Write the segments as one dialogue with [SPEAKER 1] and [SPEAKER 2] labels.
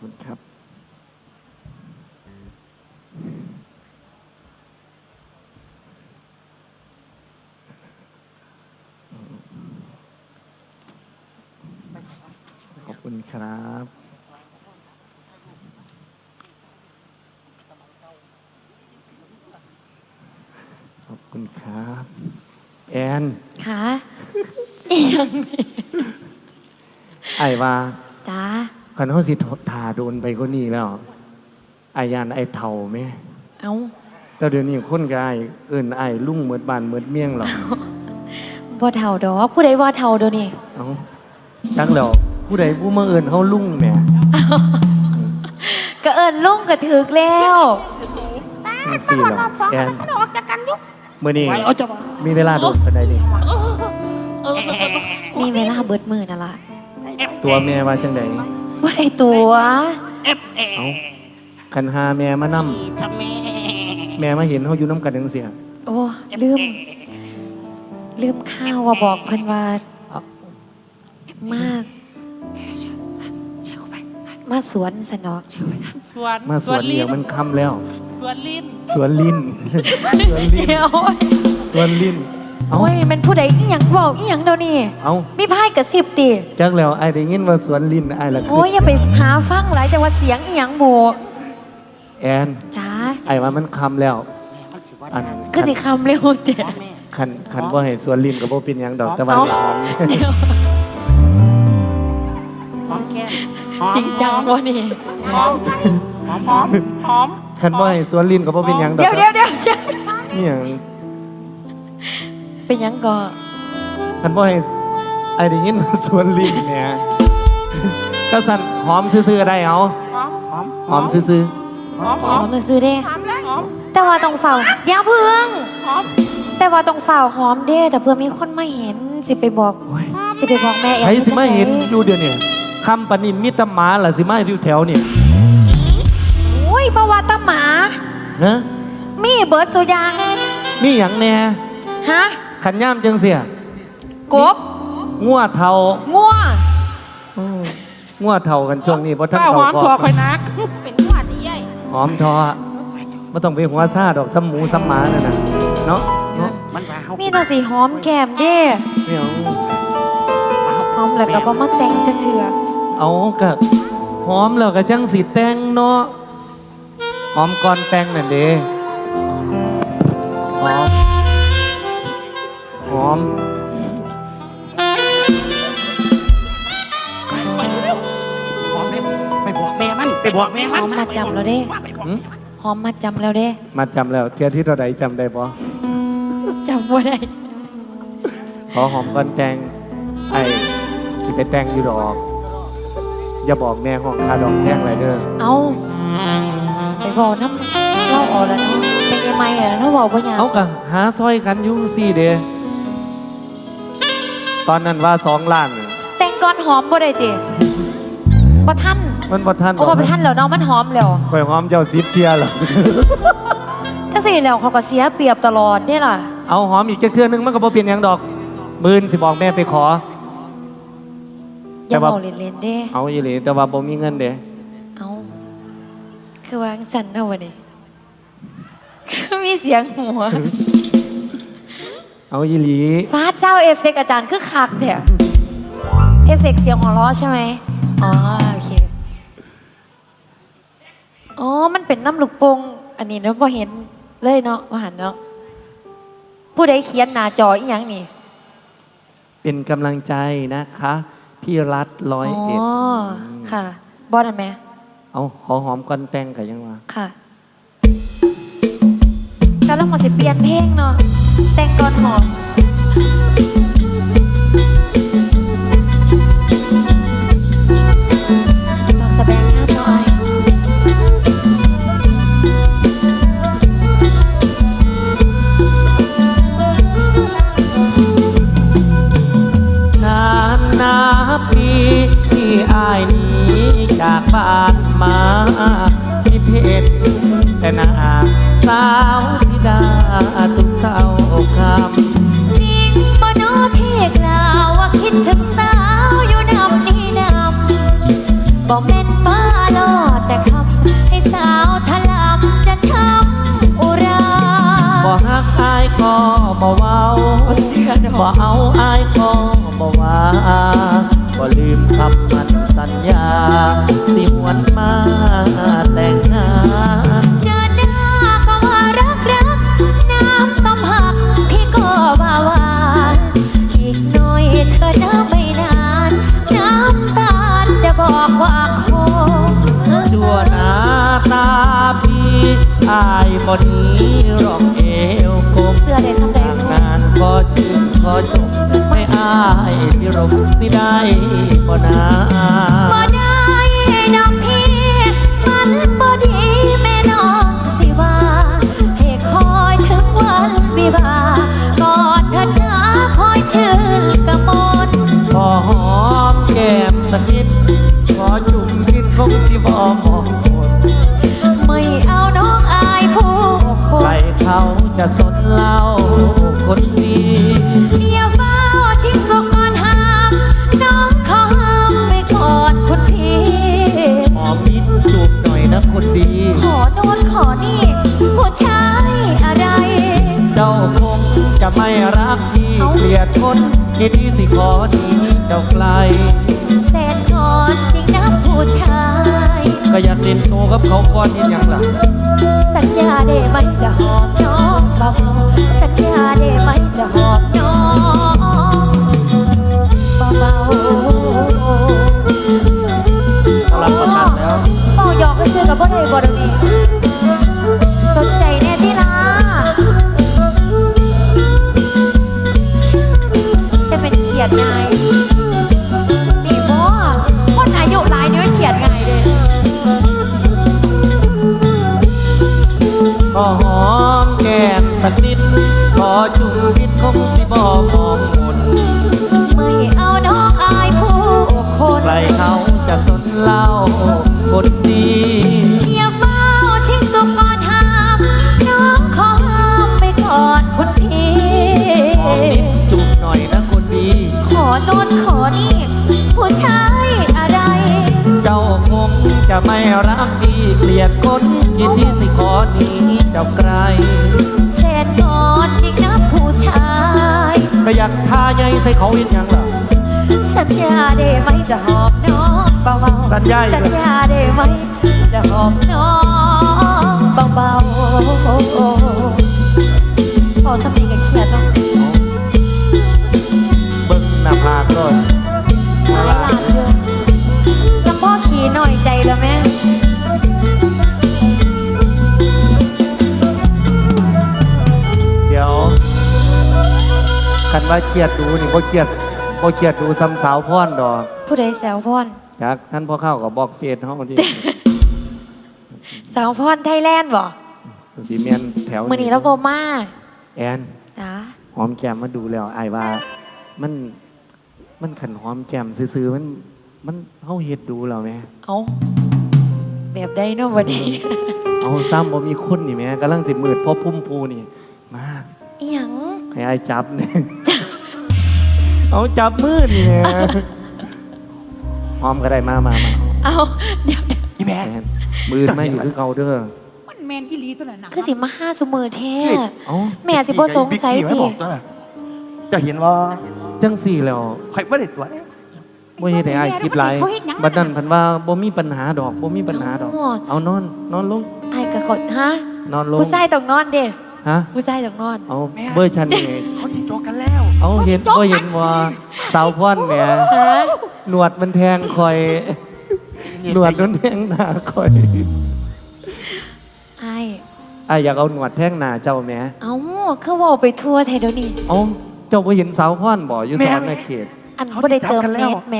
[SPEAKER 1] คุณครับขอบคุณครับขอบคุณครับแอน
[SPEAKER 2] ค่ะอีหยังนี่
[SPEAKER 1] ไอ้ว่า
[SPEAKER 2] จ้า
[SPEAKER 1] คันเขาสิทาโดนไปก็นี่แล้วไอ้ยานไอ้เท่าไหม
[SPEAKER 2] เอา
[SPEAKER 1] แต่เดี๋ยวนี้คนกายเอิ้นไอ้ลุงเหมือนบ้านเหมือนเมี่ยงหรอก
[SPEAKER 2] บ่เฒ่าดอกผู้ใดว่าเฒ่าเดี๋ยวนี้
[SPEAKER 1] เอาจักแล้วผู้ใดผู้มาเอิ้นเขาลุงแหม่
[SPEAKER 2] ก็เอิ้นลุงก็ถึกแล้ว
[SPEAKER 1] จังซี่หรอแอน
[SPEAKER 3] ออกจากกันยุก
[SPEAKER 1] มื้อนี้มีเวลาโดนปานใดนี่
[SPEAKER 2] นี่เวลาเบิดมื้อนั่นล่ะ
[SPEAKER 1] ตัวแม่ว่าจังได๋
[SPEAKER 2] บ่ได้ตัว
[SPEAKER 1] เอ้าคันหาแม่มานำแม่มาเห็นเฮาอยู่นำกันจังซี่
[SPEAKER 2] โอ้ลืมข้าวว่าบอกเพิ่นว่ามาสวนสนอก
[SPEAKER 1] มาสวนเลี้ยงมันค่ำแล้ว
[SPEAKER 3] สวนลิ้น
[SPEAKER 1] สวนลิ้นสวนลิ้นสวนลิ้น
[SPEAKER 2] โอ้ยมันผู้ใดอีหยังเว้าอีหยังเดี๋ยวนี้
[SPEAKER 1] เอ้า
[SPEAKER 2] มีพายกระซิบติ
[SPEAKER 1] จักแล้วไอ้ได้ยินว่าสวนลิ้นไอ้ละ
[SPEAKER 2] โอ้ยอย่าไปหาฟังหลายจังว่าเสียงอีหยังโบ
[SPEAKER 1] แอน
[SPEAKER 2] จ้า
[SPEAKER 1] ไอ้ว่ามันค่ำแล้วอัน
[SPEAKER 2] คือสิคำเร็วเด้
[SPEAKER 1] คันบ่ให้สวนลิ้นก็บ่เป็นหยังดอกแต่ว่าหอม
[SPEAKER 3] หอมแก้ม
[SPEAKER 2] จริงจังบ่นี่
[SPEAKER 3] หอม
[SPEAKER 1] คันบ่ให้สวนลิ้นก็บ่เป็นหยังดอก
[SPEAKER 2] เดี๋ยว
[SPEAKER 1] นี่หยัง
[SPEAKER 2] เป็นหยังก็
[SPEAKER 1] คันบ่ให้ไอ้ได้ยินสวนลิ้นเนี่ยก็สั่นหอมซื่อๆได้เอาหอมซื่อ
[SPEAKER 2] หอมซื่อเด้แต่ว่าต้องเฝ้าอย่าเพิ่งแต่ว่าต้องเฝ้าหอมเด้แต่เพื่อมีคนมาเห็นสิไปบอกแม่เอง
[SPEAKER 1] ใครสิมาเห็นอยู่เดี๋ยวนี้คำปนินมิตรหมาล่ะสิมาอยู่แถวนี่
[SPEAKER 2] โอ้ยบ่ว่าตะหมา
[SPEAKER 1] ฮะ
[SPEAKER 2] มีเบิดสุยาง
[SPEAKER 1] มีหยังแน่
[SPEAKER 2] ฮะ
[SPEAKER 1] ขันย่ามจังเสีย
[SPEAKER 2] กบ
[SPEAKER 1] งัวเทางัวเทากันช่วงนี้เพราะท่านเขา
[SPEAKER 3] หอมถั่วคอยนักเป็นงัวที่ใหญ่
[SPEAKER 1] หอมทอไม่ต้องไปหัวซาดอกซ้ำหมูซ้ำหมาน่ะนะเนาะ
[SPEAKER 2] มีแต่สีหอมแก้มเด้หอมแล้วก็บ่มาแต่งจักเทื่อ
[SPEAKER 1] เอาก็หอมแล้วก็จังสีแต่งเนาะหอมก่อนแต่งนั่นเด้หอม
[SPEAKER 3] ไปเร็วหอมเร็วไปบอกแม่มัน
[SPEAKER 2] หอมมาจำแล้วเด้หอมมาจำแล้วเด้
[SPEAKER 1] มาจำแล้วเที่ยที่เราใดจำได้ปะ
[SPEAKER 2] จำว่าได้
[SPEAKER 1] ขอหอมก่อนแต่งไอ้สิไปแต่งอยู่ดอกอย่าบอกแม่ห้องคาดอกแพงไรเด้อ
[SPEAKER 2] เอาไปบอกน้ำเล่าออกแล้วเนาะเป็นยังไงอ่ะถ้าบอกว่าอย่าง
[SPEAKER 1] เอากะหาซอยกันยุ่งสี่เด้ตอนนั้นว่า2 ล้าน
[SPEAKER 2] แต่งก่อนหอมบ่ได้ติบ่ทัน
[SPEAKER 1] มันบ่ทัน
[SPEAKER 2] บ่ทันแล้วเนาะมันหอมแล้ว
[SPEAKER 1] ข่อยหอมเจ้า10 เที่ยหรอ
[SPEAKER 2] ถ้าสิแล้วเขาก็เสียเปรียบตลอดนี่ล่ะ
[SPEAKER 1] เอาหอมอีกจักเทื่อนึงมันก็บ่เปลี่ยนหยังดอกมื้อสิบอกแม่ไปขอ
[SPEAKER 2] อย่าเอาเล่นๆเด้
[SPEAKER 1] เอาอีหลีแต่ว่าบ่มีเงินเด้
[SPEAKER 2] เอาคือว่าสั่นเนาะวันนี้คือมีเสียงหัว
[SPEAKER 1] เอาอีหลี
[SPEAKER 2] ฟาดเศร้าเอฟเฟกต์อาจารย์คือคักเด้อเอฟเฟกต์เสียงหัวเราะใช่ไหมอ๋อโอเคอ๋อมันเป็นน้ำลูกโป่งอันนี้เราพอเห็นเลยเนาะว่าหันเนาะผู้ใดเขียนหน้าจออีหยังนี่
[SPEAKER 1] เป็นกำลังใจนะคะพี่รัฐ101
[SPEAKER 2] อ๋อค่ะบอสอันแม่
[SPEAKER 1] เอาขอหอมก่อนแต่งกันยังวะ
[SPEAKER 2] ค่ะกำลังมาสิเปลี่ยนเพลงเนาะแต่งก่อนหอมต้องแสดงงามหน่อย
[SPEAKER 1] นับปีที่อ้ายนี้จากบ้านมาคิดเห็นแต่หน้าสาวธิดาทุกเศร้าคำ
[SPEAKER 2] จริงบ่โนที่กล่าวว่าคิดถึงสาวอยู่นำนี่นำบ่แม่นมาหลอ
[SPEAKER 1] บ่เอาอายก็บ่ว่าบ่ลืมคำมั่นสัญญาสิหวนมาแต่งงาน
[SPEAKER 2] เจอหน้าก็ว่ารักน้ำต้มหักพี่ก็ว่าหวานอีกหน่อยเธอน้ำไม่นานน้ำตาลจะบอกว่าคง
[SPEAKER 1] ชั่วหน้าตาพี่อายบ่หนี้รองเอวกบ
[SPEAKER 2] เสื้อได้สำเร็จ
[SPEAKER 1] งานขอชื่นขอชมไม่อายพิรมสิได้บ่นา
[SPEAKER 2] บ่ได้น้องพี่มันบ่ดีแม่น้องสิว่าให้คอยถึงวันวิวาห์กอดเธอหนาคอยชื่นกระมน
[SPEAKER 1] ขอหอมแก้มสักนิดขอจุ่มดินคงสิบ่มองหมด
[SPEAKER 2] ไม่เอาน้องอายผู้ค
[SPEAKER 1] ใคร
[SPEAKER 2] น
[SPEAKER 1] เขาจะสนเล่าคนดี
[SPEAKER 2] อย่าเฝ้าทิ้งสุกก่อนห้ามน้องขอห้ามไปก่อนคุณพี่
[SPEAKER 1] หอมนิดจูบหน่อยนะคนดี
[SPEAKER 2] ขอโน่นขอนี่ผู้ชายอะไร
[SPEAKER 1] เจ้าคงจะไม่รักพี่เกลียดคนที่ที่สิขอหนีเจ้าไกล
[SPEAKER 2] แสนก่อนจริงนะผู้ชาย
[SPEAKER 1] ก็อยากเล่นโตกับเขาก่อนเห็นยังล่ะ
[SPEAKER 2] สัญญาได้ไหมจะหอมน้องเบาๆสัญญาได้ไหมจะหอมน้องเบาๆ
[SPEAKER 1] รับประกันแล้ว
[SPEAKER 2] เบาหยอกไปซื้อกับบ่ได้บ่เดี๋ยวนี้สนใจแน่ที่นะจะเป็นเขียดไงนี่บ่คนอายุหลายนี่ว่าเขียดไงเด้
[SPEAKER 1] ก็หอมแก้มสักนิดขอจุ่มพิษคงสิบ่มองมน
[SPEAKER 2] ไม่เอาน้องอายผู้คน
[SPEAKER 1] ใครเขาจะสนเล่าคนดี
[SPEAKER 2] อย่าเฝ้าชิงสุกก่อนห้ามน้องขอห้ามไปก่อนคุณพี่
[SPEAKER 1] หอมนิดจุบหน่อยนะคนดี
[SPEAKER 2] ขอโน่นขอนี่ผู้ชายอะไร
[SPEAKER 1] เจ้าคงจะไม่รักพี่เกลียดคนที่ที่สิขอหนีเจ้าไกล
[SPEAKER 2] แสนก่อนจริงนะผู้ชาย
[SPEAKER 1] ก็อยากทาใยใส่เขาเห็นยังล่ะ
[SPEAKER 2] สัญญาได้ไหมจะหอมน้องเบาๆ
[SPEAKER 1] สัญญาอีก
[SPEAKER 2] สัญญาได้ไหมจะหอมน้องเบาๆพอสำนีกับเขียดเนาะ
[SPEAKER 1] เบิ่งหน้าผากก่อน
[SPEAKER 2] หลายล้านเดือนสมพ่อขี่หน่อยใจแล้วแม่
[SPEAKER 1] เดี๋ยวคันว่าเครียดดูนี่บ่เครียดดูซ้ำสาวพรดอก
[SPEAKER 2] ผู้ใดแซวพร
[SPEAKER 1] จากท่านพ่อเข้ากับบอกเฟซเฮาที่
[SPEAKER 2] สาวพรไทยแลนด์บ่
[SPEAKER 1] สีเมียนแถว
[SPEAKER 2] มื้อนี้เราบ่มา
[SPEAKER 1] แอน
[SPEAKER 2] จ้า
[SPEAKER 1] หอมแก้มมาดูแล้วอายว่ามันขันหอมแก้มซื่อๆมันเฮาเฮ็ดดูแล้วแม่
[SPEAKER 2] เอาแบบใดเนาะวันนี้
[SPEAKER 1] เอาซ้ำบ่มีคนนี่แม่กำลังสิมืดเพราะพุ่มพูนี่มา
[SPEAKER 2] อีหยัง
[SPEAKER 1] ให้อายจับเนี่ย เอาจับมืดนี่แม่หอมก็ได้มา
[SPEAKER 2] เอาเดี๋ยว
[SPEAKER 3] อีแม่
[SPEAKER 1] แอนมืดไม่อยู่คือเก่าเด้อ
[SPEAKER 4] มันแมนอีหลีตัวนั้นนะ
[SPEAKER 2] คือสิมาห้าซุมือแท้
[SPEAKER 1] เอ้า
[SPEAKER 2] แม่สิบ่สงสัย
[SPEAKER 3] บิ๊กกี้
[SPEAKER 2] ติ
[SPEAKER 3] ไว้บอกตัวน่ะเจะเห็นว่า
[SPEAKER 1] จังสี่แล้ว
[SPEAKER 3] ใครไม่ได้ตัวเนี่ย
[SPEAKER 1] บ่เฮ็ดให้อายคิดหลายบัดนั้นเพันว่าบ่มีปัญหาดอกบ่มีปัญหาดอก เอานอนลง
[SPEAKER 2] ไอ้กะขดฮะ
[SPEAKER 1] นอนลง
[SPEAKER 2] ผู้ชายต้องนอนเด้
[SPEAKER 1] ฮะ
[SPEAKER 2] ผู้ชายต้องนอน
[SPEAKER 1] เอาเบอร์ชันนี่
[SPEAKER 3] เขาที่โจกกันแล้ว
[SPEAKER 1] เอาเห็นบ่เห็นว่าสาวพรแหม
[SPEAKER 2] ฮะ
[SPEAKER 1] หนวดมันแทงคอย หนวดมันแทงหน้าคอย
[SPEAKER 2] ไอ้
[SPEAKER 1] อ่ะอยากเอาหนวดแทงหน้าเจ้าแหม
[SPEAKER 2] เอ้าคือเว่าไปทั่วไทยเดี๋ยวนี้
[SPEAKER 1] เอาเจ้าบ่เห็นสาวพรบ่อยู่สอนในเขต
[SPEAKER 2] อันบ่ได้เติมเน็ตแหม่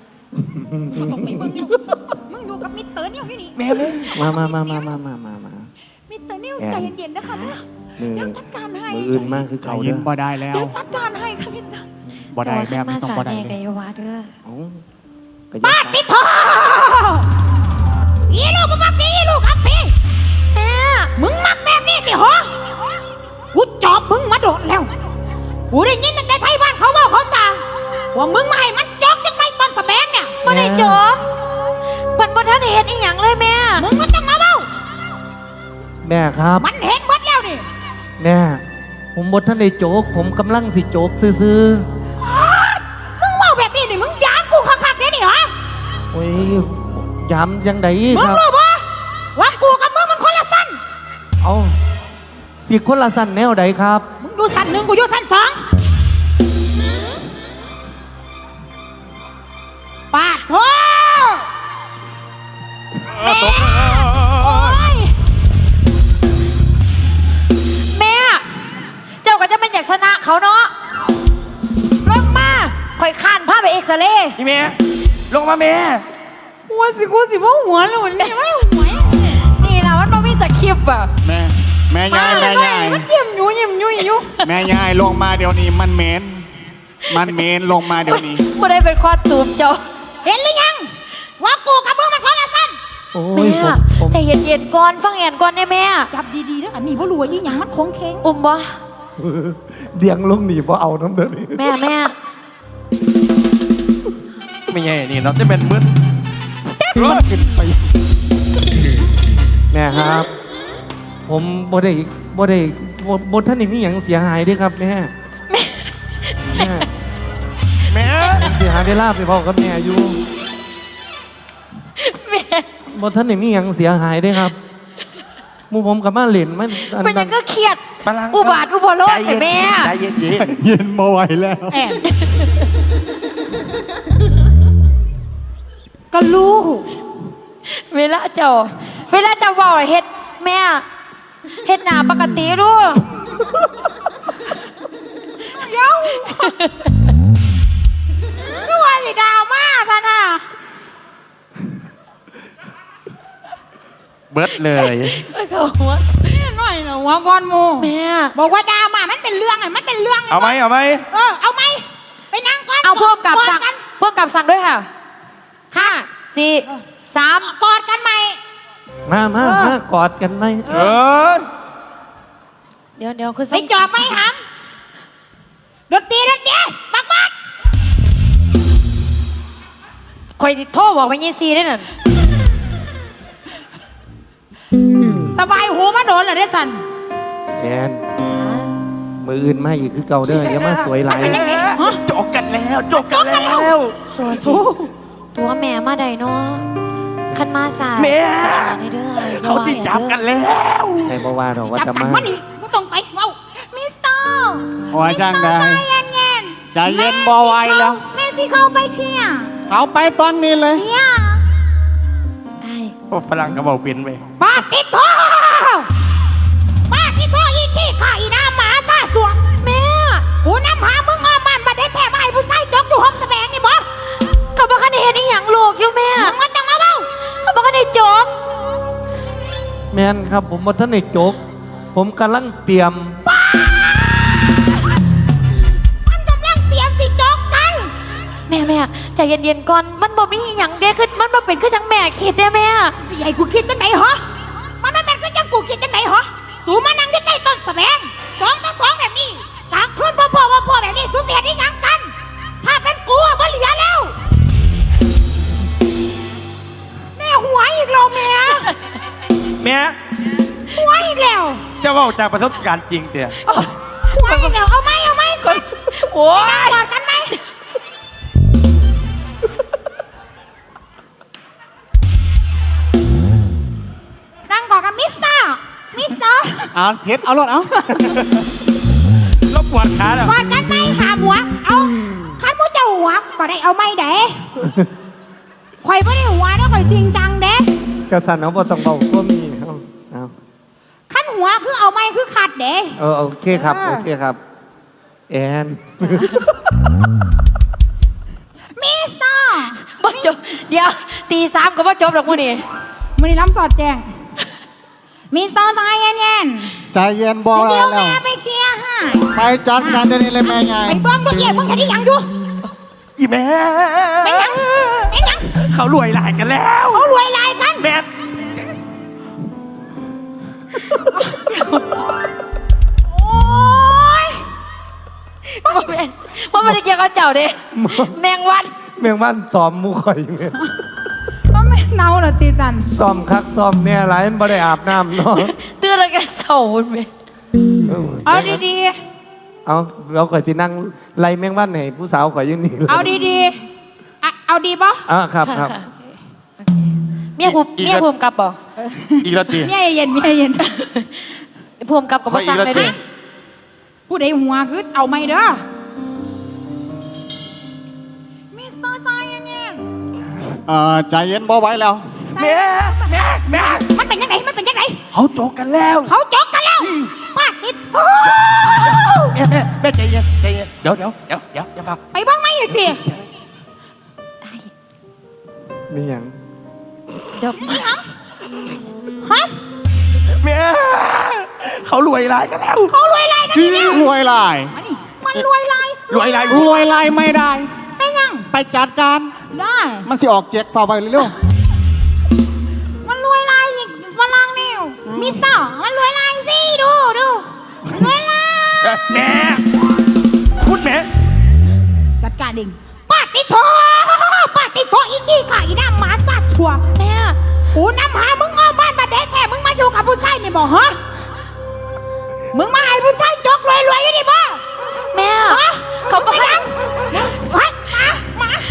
[SPEAKER 4] มึงอยู่กับมิสเตอร์นิวอยู่นี่
[SPEAKER 3] แม่แม่
[SPEAKER 1] มา
[SPEAKER 4] มิสเตอร์นิวใจเย็นๆนะคะ
[SPEAKER 1] มือ
[SPEAKER 4] เดี๋ยวจัดการให้
[SPEAKER 1] มืออื่นมากคือ
[SPEAKER 5] ใจ
[SPEAKER 1] เขา
[SPEAKER 5] เย็
[SPEAKER 1] เด้
[SPEAKER 5] น
[SPEAKER 1] อ
[SPEAKER 5] บ่ได้แล้ว
[SPEAKER 4] เดี๋ยวจัดการให้ค่ะมิสเตอร์
[SPEAKER 5] บ่ได้
[SPEAKER 2] แต่
[SPEAKER 5] แบบ
[SPEAKER 2] ว่า
[SPEAKER 5] นี้ต้อง
[SPEAKER 2] มา
[SPEAKER 5] บ่
[SPEAKER 2] สา
[SPEAKER 5] ได้
[SPEAKER 2] แน่
[SPEAKER 5] เล
[SPEAKER 2] กั
[SPEAKER 5] ย
[SPEAKER 2] ยาวาเด้อ
[SPEAKER 1] เอาก็อ
[SPEAKER 4] ป้า
[SPEAKER 1] ยั
[SPEAKER 4] ปิดทออีลูกมึงมักดีอีลูกอักพี
[SPEAKER 2] แม่
[SPEAKER 4] มึงมักแบบนี้ติหอกูจอบมึงมาโดนแล้ว กูได้ยินตั้งแต่ไทยบ้านเขาว่าเขาสั่งว่ามึงมาให้มันจอกจังไงตอนสแบงเนี่ย
[SPEAKER 2] บ่ได้จบเพิ่นบ่ทันได้เฮ็ดอีหยังเลยแม่
[SPEAKER 4] มึงก็ต้องมาเบ้า
[SPEAKER 1] แม่ครับ
[SPEAKER 4] มันเห็นหมดแล้วนี่
[SPEAKER 1] แม่ผผมบทท่านได้โจก ผมกำลังสิโจกซื่อ
[SPEAKER 4] มึงเมาแบบนี้นี่มึงยามกูคักๆเด้นี่เหรอ
[SPEAKER 1] ๆโอ้ยย้ำยังไง
[SPEAKER 4] มึ
[SPEAKER 1] ค
[SPEAKER 4] ง
[SPEAKER 1] รับ
[SPEAKER 4] รู้ปะว่ากูกับมึงมันคนละสั้น
[SPEAKER 1] เอาสิคนละสั้นแนวใดครับ
[SPEAKER 4] มึงอยู่สั้นหนึ่งกูอยู่สั้นสองปาดโถ
[SPEAKER 2] แม่โอ๊ยแม่เจ้าก็จะเป็นอยากชนะเขาเนาะลงมาคอยข้านพาไปเอ็กซเรย์
[SPEAKER 3] พี่แม่ลงมาแม่
[SPEAKER 4] หัวสิกูสิว่าหัวเลยวันนี้ไม่หัว
[SPEAKER 2] นี่ล่ะมันบ่มีสคริปต์อะ
[SPEAKER 5] แม่ยายแม่ยาย
[SPEAKER 4] มันเยี่ยมอยู่อยู่
[SPEAKER 5] แม่ยายลงมาเดี๋ยวนี้มันเหม็นลงมาเดี๋ยวนี้
[SPEAKER 2] บ่ได้เป็นคอตูมเจ้า
[SPEAKER 4] เห็นหรือยัง ว่ากูกับมึงมันคนละสั้น
[SPEAKER 1] โอ้
[SPEAKER 2] แม่
[SPEAKER 1] ยผม
[SPEAKER 2] ใจเย็นๆก่อนฟังแอนก่อนได้แม่
[SPEAKER 4] จับดีๆนะอันนี้พ่รู้ว่ายี่หยังมันคงเคง
[SPEAKER 2] อุ้มบ่
[SPEAKER 1] เดียงลงหนีบ่เอาน้ำเดือด
[SPEAKER 2] แม่
[SPEAKER 3] ไม่ใช่นี่เราจะเป็นมึน
[SPEAKER 1] แม่ครับ ผมบ่ได้ท่านนี่มีอย่างเสียหายเด้วยครับแม่แม่
[SPEAKER 3] แม่
[SPEAKER 1] เสียหายเวลาไปบอกกับแม่อยู่
[SPEAKER 2] แม่
[SPEAKER 1] บ่ท่านนี่มีอย่างเสียหายเด้วยครับหมูผมกับมาเล่นมันอัน
[SPEAKER 2] มันยั
[SPEAKER 1] นั้
[SPEAKER 2] ง
[SPEAKER 1] น
[SPEAKER 2] ก็เครียด
[SPEAKER 3] พลัง
[SPEAKER 2] อุบาทอุปโลกให้แม่
[SPEAKER 3] ใจเย็น
[SPEAKER 5] เย็นมาไหวแล้ว
[SPEAKER 4] แอบก็รู้
[SPEAKER 2] เวลาเจ้าเว้าเฮ็ดแม่เฮ็ดหน้าปกติรู้
[SPEAKER 4] เย้าก็ว่าสิดาวมาท่านน่ะ
[SPEAKER 3] เบิดเลย
[SPEAKER 2] เขาหัว
[SPEAKER 4] นี่หน่อยเหรอหัวก้อนหมู
[SPEAKER 2] แม่
[SPEAKER 4] บอกว่าดาวมามันเป็นเรื่องไงมันเป็นเรื่อง
[SPEAKER 3] เอาไหม
[SPEAKER 4] เอาไหมไปนั่งก่อน
[SPEAKER 2] เอาพวกกับ
[SPEAKER 4] อด
[SPEAKER 2] สั่ง
[SPEAKER 4] กัน
[SPEAKER 2] พวกกับสั่งด้วยค่ะ5 4 3
[SPEAKER 4] กอดกันไหม
[SPEAKER 1] มาม
[SPEAKER 4] เออ
[SPEAKER 1] ากอดกันไหม
[SPEAKER 2] เดี๋ยวคือ
[SPEAKER 4] ไปจอบไหมหำดนตรีบัก
[SPEAKER 2] คอยโทรบอกไปยี่ซีได้นั่น
[SPEAKER 4] สบายหูมาโดนเหรอเดซัน
[SPEAKER 1] แอนมืออื่นมาอีกคือเก่าเด้ออย่ามาสวยไหลาย
[SPEAKER 3] จบกันแล้ว
[SPEAKER 2] สัวสิตัวแม่มาได้เนาะคันมาสาย
[SPEAKER 3] แม่
[SPEAKER 2] ในเด้อ
[SPEAKER 3] เขาจิจับกันแล้ว
[SPEAKER 1] ในบ่ว่าดอกว่า
[SPEAKER 4] จับ
[SPEAKER 1] จะ
[SPEAKER 4] กัน
[SPEAKER 1] มา
[SPEAKER 4] ว่านี่ไม่ต้องไปเว้ามิสเตอร์
[SPEAKER 5] โอ้ยจ้างได้
[SPEAKER 4] ใจเย็น
[SPEAKER 5] ใจเย็นบ่ไหวแล้ว
[SPEAKER 4] แม่สิเข้าไปเคลียร์
[SPEAKER 5] เอาไปตอนนี้เลย
[SPEAKER 4] เนี่ย
[SPEAKER 2] ไอ้
[SPEAKER 3] โอ้ฝรั่งก็บอกเป็นไป
[SPEAKER 4] ป้าติดโทอีขี้ข่าอีน้าหมาซาสวง
[SPEAKER 2] แม่
[SPEAKER 4] กูน้ำหามึงอ้อมมันบัดได้แทบให้ผู้ใส่จกอยู่ห้องแสดงนี่บ่
[SPEAKER 2] เขาบอกคันได้เห็นอีหยังลูกอยู่แม่
[SPEAKER 4] มึงว่าจังมาเว้า
[SPEAKER 2] เขาบอกคันได้จบ
[SPEAKER 1] แม่นครับผมบ่ท่านได้โจก ผมกำลังเตรียม
[SPEAKER 4] มันกำลังเตรียมสิจกกัน
[SPEAKER 2] แม่ใจเย็นๆก่อนมันบ่มีอีหยังเด้คือมันบ่เป็นคือจังแม่คิดเด้แม่
[SPEAKER 4] สิให้กูคิดจังไหนเหรอมันไม่แม่นก็จังกูคิดจังไหนเหรอสูมานั่งที่ใต้ต้นแสดง2 ต่อ 2แบบนี้กลางคืนพ่อแบบนี้สูเสียได้ยังกัน ถ้าเป็นกูอะบ่เหลือแล้วแม่หัวอีกแล้วแม่
[SPEAKER 3] แม่
[SPEAKER 4] หัวอีกแล้ว
[SPEAKER 3] จะว่าจากประสบการณ์จริงเตี่ย
[SPEAKER 4] หัวอีกแล้วเอาไหมก่อน
[SPEAKER 2] โอ้ย
[SPEAKER 4] กอดกันไหมนั่งกอดกันมิสเตอร์
[SPEAKER 5] เอาเฮ็ดเอารถเอา
[SPEAKER 3] รบปวดขาแล้ว
[SPEAKER 4] กอดกันไหมหาหัว เอาคันผู้เจ้าหัวก็ได้เอาไหมเด้ข่อยไม่ได้หัวนะข่อยจริงจังเด้
[SPEAKER 1] กระสันเอาบ่ต้องเบาก็มีครับเอา
[SPEAKER 4] คันหัวคือเอาไหมคือขัดเด้
[SPEAKER 1] โอเคครับโอเคครับ แอน
[SPEAKER 4] มิสเตอร์
[SPEAKER 2] บ่จบเดี๋ยวตี 3ก็บ่จบดอกมื้อนี้
[SPEAKER 4] มันนี่ล้ำสอดแจงมิสเตอร์ใจเย็น
[SPEAKER 5] ใจเย็นบ่
[SPEAKER 4] ๆ
[SPEAKER 5] ไหว
[SPEAKER 4] เดี๋ยว
[SPEAKER 5] แล้ว
[SPEAKER 4] แม่ไปเคลียร์ให้
[SPEAKER 5] ไปจัดการเดี๋ยวนี้เลยแม่ยาย
[SPEAKER 4] ไปเบิ้งดูเอี่ยมึงเห็นได้ยังดู
[SPEAKER 3] อีแม่
[SPEAKER 4] เป็นยัง
[SPEAKER 3] เขารวยหลายกันแล้ว
[SPEAKER 4] เขารวยลายกัน
[SPEAKER 3] แม่
[SPEAKER 4] โอ้ย
[SPEAKER 2] บ่แม่นบ่ได้เกี่ยวกับเจ้าเด้แมงวัน
[SPEAKER 1] แมงวันตอมหมูข่อยแม่
[SPEAKER 4] มันไม่เนาเหรอตีจัน
[SPEAKER 1] ซ้อมคักซ้อมเนี่ยหลายมันบ่ได้อาบน้ำเนาะ
[SPEAKER 2] ตื่นแล้วก็เศร้าพุ่นแม่
[SPEAKER 4] เอาดี
[SPEAKER 1] เอาเราข่อยสินั่งไล่แมงวันให้ผู้สาวข่อยอยืนนี่
[SPEAKER 4] ๆเอาดีๆอะเอาดีปะ
[SPEAKER 1] ครับครับ
[SPEAKER 2] เมียภูมิกับบ่
[SPEAKER 5] อีกแล้วตี
[SPEAKER 4] เมียเย็น
[SPEAKER 2] ภูมิกับกับบ่สั่งเลยเด้
[SPEAKER 4] ผู้ใดหัวคือเอาไม่เด้อมิสเตอร์ใจเย็น
[SPEAKER 5] ใจเย็นบ่ไหว้แล้ว
[SPEAKER 3] แม่
[SPEAKER 4] ๆมันเป็นยังไงมันเป็นยังไง
[SPEAKER 3] เขาโจกกันแล้ว
[SPEAKER 4] เขาจกกันแล้วป้าติด
[SPEAKER 3] แม่ใจเย็นเดี๋ยวอย่าฟัง
[SPEAKER 4] ไปบ้างไหมอีกที
[SPEAKER 1] มีหยัง
[SPEAKER 2] เดี๋ยว
[SPEAKER 4] ฮะ
[SPEAKER 3] แม่เขารวยรายกันแล้ว
[SPEAKER 4] เขารวยลายกัน
[SPEAKER 5] ชื่
[SPEAKER 4] นี่
[SPEAKER 5] อรวยลาย
[SPEAKER 4] อันนี้มันรวยลาย
[SPEAKER 3] รวยราย
[SPEAKER 5] รวยลายไม่ได้
[SPEAKER 4] ได้ยัง
[SPEAKER 5] ไปจัดการ
[SPEAKER 4] ได้
[SPEAKER 5] มันสิออกเจ็กฝ่าไปเร็ว
[SPEAKER 4] มันรวยลายอีกฝรั่งนี่มิสเตอร์มันรวยลายสิดูรวยลาย
[SPEAKER 3] แม่พูดแม่
[SPEAKER 4] จัดการเองป้าติดโถอีกี้ข่าอีน้ำหมาสัตว์ชัว
[SPEAKER 2] แม่
[SPEAKER 4] กูน้ำหามึงอ้อมบ้านมาเด็กแท้มึงมาอยู่กับผู้ชายนี่บอกฮะมึงมาให้ผู้ชายจกรวยอยู่นี่บ่
[SPEAKER 2] แม่
[SPEAKER 4] ฮะ
[SPEAKER 2] เขาบอก
[SPEAKER 4] ไปยังเฮ้ยหมา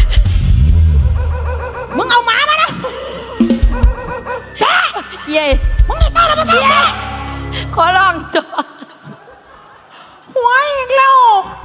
[SPEAKER 4] มึงเอาหมามานะแช่
[SPEAKER 2] เย่
[SPEAKER 4] มึงจะเจ้าแล้วมาเจ้าแช่
[SPEAKER 2] ขอลองตัว
[SPEAKER 4] หัวอีกแล้ว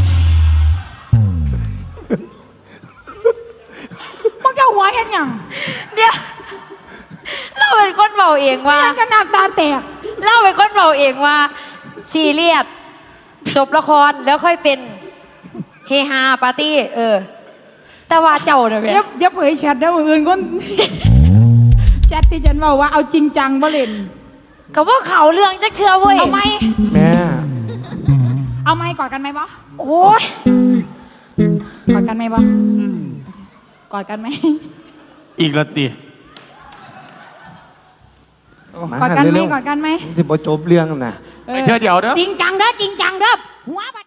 [SPEAKER 4] มึงจะหัวเห็นยัง
[SPEAKER 2] เดี๋ยวเราเป็นคนเบาเองว่า
[SPEAKER 4] ยังกันน้ำตาแตก
[SPEAKER 2] เราเป็นคนเบาเองว่าซีเรียสจบละครแล้วค่อยเป็นเฮฮาปาร์ตี้แต่ว่าเจ้าเนี่ยแม่
[SPEAKER 4] เดี๋ยวเผยแชทนะมืออื่นก็ แชทที่ฉันบอกว่าเอาจริงจังบ่เล่น
[SPEAKER 2] ก็ว่าเขาเรื่องจักเชื่อเว้ย
[SPEAKER 4] เอาไหม
[SPEAKER 1] แม่
[SPEAKER 4] เอาไหมกอดกันไหมบ่
[SPEAKER 2] โอ้ย
[SPEAKER 4] กอดกันไหมบ่กอดกันไหม
[SPEAKER 3] อีกแล้วตี
[SPEAKER 4] กอดกันไหมกอดกันไหม
[SPEAKER 1] ที่บ่จบเรื่องน่ะ
[SPEAKER 3] ไปเที่ยวเดี๋ยวเด้อ
[SPEAKER 4] จริงจังเด้อหัวบัด